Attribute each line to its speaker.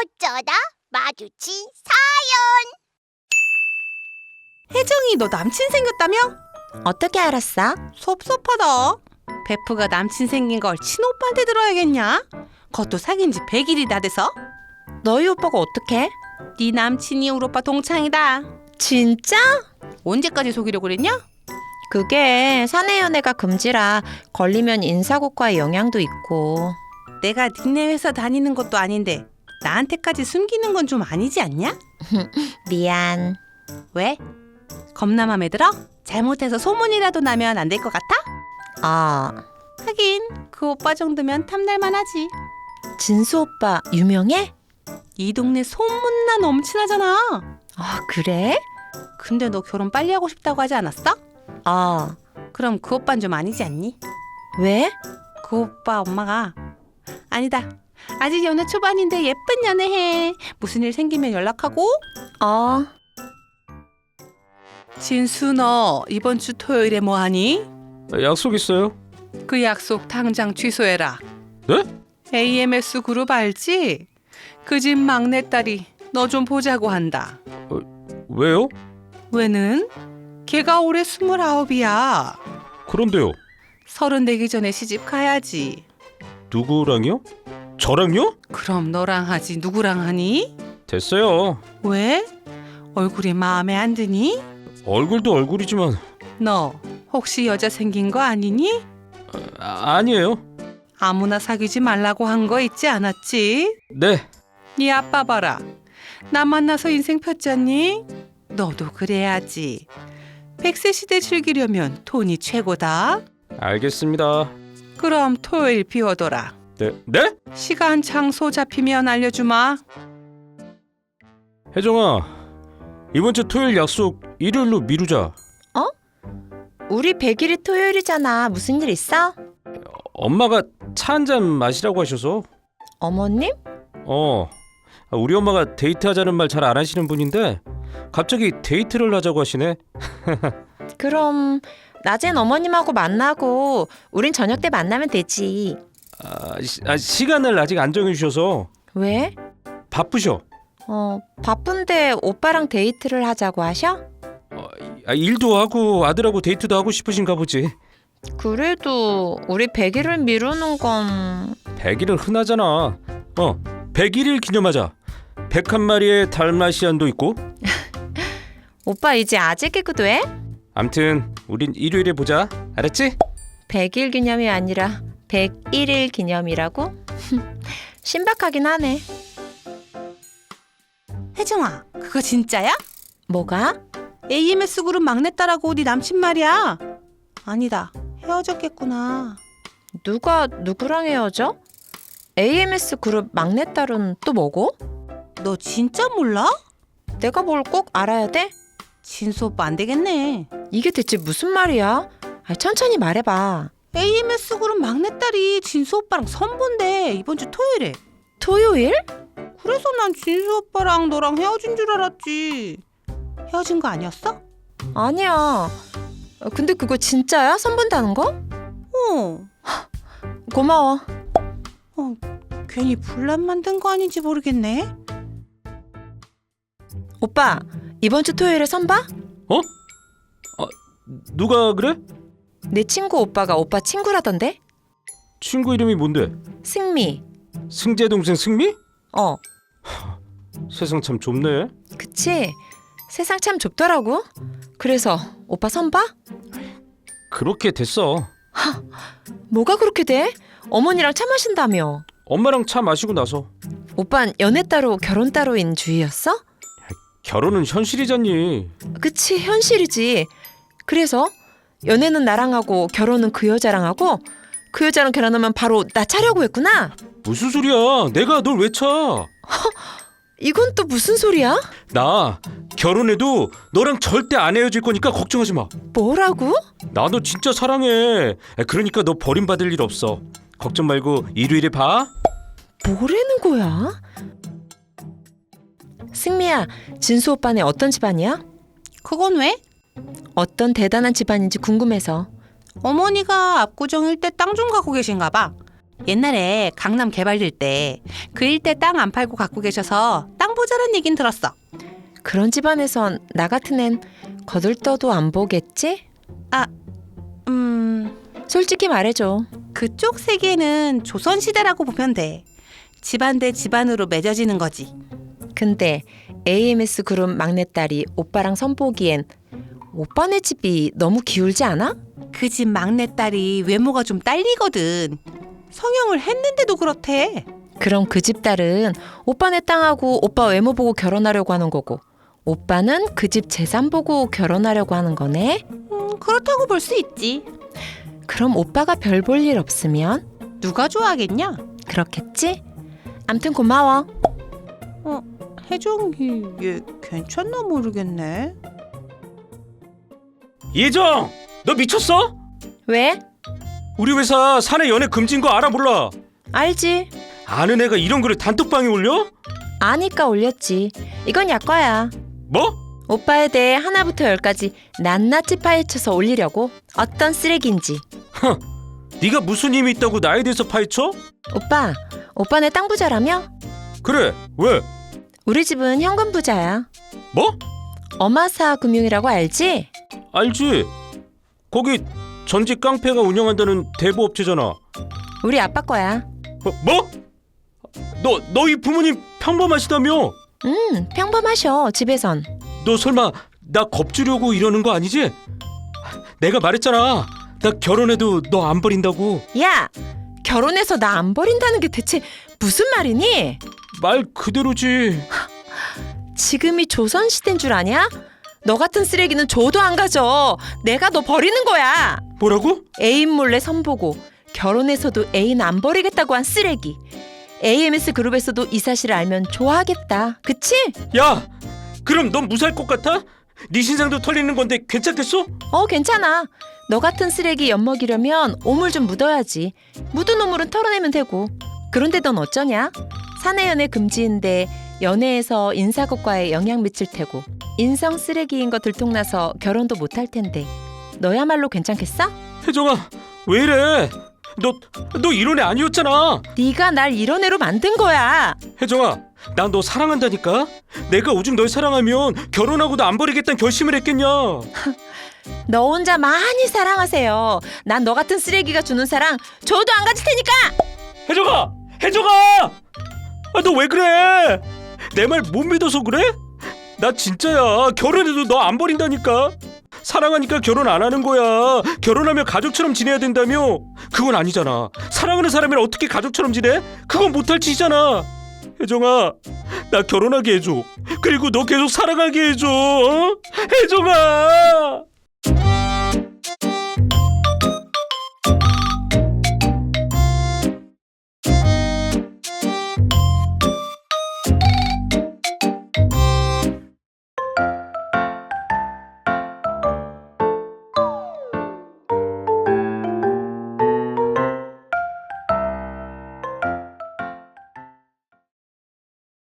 Speaker 1: 어쩌다 마주친
Speaker 2: 혜정이 너 남친 생겼다며?
Speaker 3: 어떻게 알았어?
Speaker 2: 섭섭하다. 베프가 남친 생긴 걸 친오빠한테 들어야겠냐? 그것도 사귄 지 100일이 다 돼서?
Speaker 3: 너희 오빠가 어떻게?
Speaker 2: 네 남친이 우리 오빠 동창이다.
Speaker 3: 진짜?
Speaker 2: 언제까지 속이려고 그랬냐?
Speaker 3: 그게 사내 연애가 금지라 걸리면 인사고과에 영향도 있고.
Speaker 2: 내가 니네 회사 다니는 것도 아닌데 나한테까지 숨기는 건 좀 아니지 않냐?
Speaker 3: 미안.
Speaker 2: 왜? 겁나 맘에 들어? 잘못해서 소문이라도 나면 안 될 것 같아? 하긴 그 오빠 정도면 탐날만 하지.
Speaker 3: 진수 오빠 유명해?
Speaker 2: 이 동네 소문나 넘치나잖아.
Speaker 3: 그래?
Speaker 2: 근데 너 결혼 빨리 하고 싶다고 하지 않았어? 그럼 그 오빠는 좀 아니지 않니?
Speaker 3: 왜?
Speaker 2: 그 오빠 엄마가 아니다. 아직 연애 초반인데 예쁜 연애해. 무슨 일 생기면 연락하고. 진수 너 이번 주 토요일에 뭐 하니?
Speaker 4: 약속 있어요.
Speaker 2: 그 약속 당장 취소해라.
Speaker 4: 네?
Speaker 2: AMS 그룹 알지? 그 집 막내딸이 너 좀 보자고 한다.
Speaker 4: 왜요?
Speaker 2: 왜는? 걔가 올해 29이야.
Speaker 4: 그런데요.
Speaker 2: 30 되기 전에 시집 가야지.
Speaker 4: 누구랑요? 저랑요?
Speaker 2: 그럼 너랑 하지 누구랑 하니?
Speaker 4: 됐어요.
Speaker 2: 왜? 얼굴이 마음에 안 드니?
Speaker 4: 얼굴도 얼굴이지만
Speaker 2: 너 혹시 여자 생긴 거 아니니?
Speaker 4: 아니에요.
Speaker 2: 아무나 사귀지 말라고 한 거 있지 않았지?
Speaker 4: 네.
Speaker 2: 네 아빠 봐라. 나 만나서 인생 폈잖니? 너도 그래야지. 100세 시대 즐기려면 돈이 최고다.
Speaker 4: 알겠습니다.
Speaker 2: 그럼 토요일 비워둬라.
Speaker 4: 네?
Speaker 2: 시간 장소 잡히면 알려주마.
Speaker 4: 혜정아, 이번 주 토요일 약속 일요일로 미루자.
Speaker 3: 우리 100일이 토요일이잖아. 무슨 일 있어?
Speaker 4: 엄마가 차 한 잔 마시라고 하셔서.
Speaker 3: 어머님?
Speaker 4: 우리 엄마가 데이트하자는 말 잘 안 하시는 분인데 갑자기 데이트를 하자고 하시네.
Speaker 3: 그럼 낮엔 어머님하고 만나고 우린 저녁 때 만나면 되지.
Speaker 4: 시간을 아직 안 정해주셔서.
Speaker 3: 왜?
Speaker 4: 바쁘셔.
Speaker 3: 바쁜데 오빠랑 데이트를 하자고 하셔?
Speaker 4: 일도 하고 아들하고 데이트도 하고 싶으신가 보지.
Speaker 3: 그래도 우리 100일을 미루는 건...
Speaker 4: 100일은 흔하잖아. 101일 기념하자. 101마리의 달마시안도 있고.
Speaker 3: 오빠 이제 아재 개그도 해?
Speaker 4: 암튼 우린 일요일에 보자. 알았지?
Speaker 3: 100일 기념이 아니라 101일 기념이라고? 신박하긴 하네.
Speaker 2: 혜정아, 그거 진짜야?
Speaker 3: 뭐가?
Speaker 2: AMS 그룹 막내딸하고 네 남친 말이야. 아니다, 헤어졌겠구나.
Speaker 3: 누가 누구랑 헤어져? AMS 그룹 막내딸은 또 뭐고?
Speaker 2: 너 진짜 몰라?
Speaker 3: 내가 뭘 꼭 알아야 돼?
Speaker 2: 진수 오빠 안 되겠네.
Speaker 3: 이게 대체 무슨 말이야? 천천히 말해봐.
Speaker 2: AMS 그룹 막내딸이 진수 오빠랑 선본데 이번 주 토요일에.
Speaker 3: 토요일?
Speaker 2: 그래서 난 진수 오빠랑 너랑 헤어진 줄 알았지. 헤어진 거 아니었어?
Speaker 3: 아니야. 근데 그거 진짜야? 선본다는 거? 고마워.
Speaker 2: 괜히 분란 만든 거 아닌지 모르겠네.
Speaker 3: 오빠, 이번 주 토요일에 선봐?
Speaker 4: 누가 그래?
Speaker 3: 내 친구 오빠가 오빠 친구라던데?
Speaker 4: 친구 이름이 뭔데?
Speaker 3: 승미.
Speaker 4: 승재 동생 승미? 세상 참 좁네.
Speaker 3: 그치? 세상 참 좁더라고. 그래서 오빠 선봐?
Speaker 4: 그렇게 됐어.
Speaker 3: 뭐가 그렇게 돼? 어머니랑 차 마신다며.
Speaker 4: 엄마랑 차 마시고 나서.
Speaker 3: 오빤 연애 따로 결혼 따로인 주의였어?
Speaker 4: 결혼은 현실이잖니.
Speaker 3: 그치, 현실이지. 그래서 연애는 나랑 하고 결혼은 그 여자랑 하고 그 여자랑 결혼하면 바로 나 차려고 했구나.
Speaker 4: 무슨 소리야? 내가 널 왜 차?
Speaker 3: 이건 또 무슨 소리야?
Speaker 4: 나 결혼해도 너랑 절대 안 헤어질 거니까 걱정하지 마.
Speaker 3: 뭐라고?
Speaker 4: 나 너 진짜 사랑해. 그러니까 너 버림받을 일 없어. 걱정 말고 일요일에 봐.
Speaker 3: 뭐라는 거야? 승미야, 진수 오빠네 어떤 집안이야?
Speaker 2: 그건 왜?
Speaker 3: 어떤 대단한 집안인지 궁금해서.
Speaker 2: 어머니가 압구정 일대 땅 좀 갖고 계신가 봐. 옛날에 강남 개발될 때 그 일대 땅 안 팔고 갖고 계셔서 땅 보자란 얘긴 들었어.
Speaker 3: 그런 집안에선 나 같은 앤 거들떠도 안 보겠지? 솔직히 말해줘.
Speaker 2: 그쪽 세계는 조선시대라고 보면 돼. 집안 대 집안으로 맺어지는 거지.
Speaker 3: 근데 AMS 그룹 막내딸이 오빠랑 선보기엔 오빠네 집이 너무 기울지 않아?
Speaker 2: 그 집 막내딸이 외모가 좀 딸리거든. 성형을 했는데도 그렇대.
Speaker 3: 그럼 그 집 딸은 오빠네 땅하고 오빠 외모 보고 결혼하려고 하는 거고, 오빠는 그 집 재산 보고 결혼하려고 하는 거네?
Speaker 2: 그렇다고 볼 수 있지.
Speaker 3: 그럼 오빠가 별 볼 일 없으면?
Speaker 2: 누가 좋아하겠냐?
Speaker 3: 그렇겠지? 암튼 고마워.
Speaker 2: 혜정이 얘 괜찮나 모르겠네.
Speaker 4: 예정, 너 미쳤어?
Speaker 3: 왜?
Speaker 4: 우리 회사 사내 연애 금지인 거 알아 몰라?
Speaker 3: 알지?
Speaker 4: 아는 애가 이런 글을 단톡방에 올려?
Speaker 3: 아니까 올렸지. 이건 약과야.
Speaker 4: 뭐?
Speaker 3: 오빠에 대해 하나부터 열까지 낱낱이 파헤쳐서 올리려고. 어떤 쓰레기인지.
Speaker 4: 네가 무슨 힘이 있다고 나에 대해서 파헤쳐?
Speaker 3: 오빠네 땅 부자라며?
Speaker 4: 그래, 왜?
Speaker 3: 우리 집은 현금 부자야.
Speaker 4: 뭐?
Speaker 3: 어마사 금융이라고 알지?
Speaker 4: 알지. 거기 전직 깡패가 운영한다는 대부업체잖아.
Speaker 3: 우리 아빠 거야.
Speaker 4: 뭐? 너희 부모님 평범하시다며?
Speaker 3: 평범하셔 집에선.
Speaker 4: 너 설마 나 겁주려고 이러는 거 아니지? 내가 말했잖아. 나 결혼해도 너 안 버린다고.
Speaker 3: 야! 결혼해서 나 안 버린다는 게 대체 무슨 말이니?
Speaker 4: 말 그대로지.
Speaker 3: 지금이 조선시대인 줄 아냐? 너 같은 쓰레기는 줘도 안 가져. 내가 너 버리는 거야.
Speaker 4: 뭐라고?
Speaker 3: 애인 몰래 선보고 결혼해서도 애인 안 버리겠다고 한 쓰레기. AMS 그룹에서도 이 사실을 알면 좋아하겠다. 그치?
Speaker 4: 야, 그럼 넌 무사할 것 같아? 네 신상도 털리는 건데 괜찮겠어?
Speaker 3: 괜찮아. 너 같은 쓰레기 엿먹이려면 오물 좀 묻어야지. 묻은 오물은 털어내면 되고. 그런데 넌 어쩌냐? 사내연애 금지인데 연애에서 인사고과에 영향 미칠 테고, 인성 쓰레기인 거 들통나서 결혼도 못할 텐데 너야말로 괜찮겠어?
Speaker 4: 혜정아, 왜 이래? 너 이런 애 아니었잖아.
Speaker 3: 네가 날 이런 애로 만든 거야.
Speaker 4: 혜정아, 난 너 사랑한다니까. 내가 오죽 널 사랑하면 결혼하고도 안 버리겠다는 결심을 했겠냐.
Speaker 3: 너 혼자 많이 사랑하세요. 난 너 같은 쓰레기가 주는 사랑 줘도 안 가질 테니까.
Speaker 4: 혜정아, 너 왜 그래? 내 말 못 믿어서 그래? 나 진짜야. 결혼해도 너 안 버린다니까. 사랑하니까 결혼 안 하는 거야. 결혼하면 가족처럼 지내야 된다며. 그건 아니잖아. 사랑하는 사람이랑 어떻게 가족처럼 지내? 그건 못할 짓이잖아. 혜정아, 나 결혼하게 해줘. 그리고 너 계속 사랑하게 해줘. 혜정아.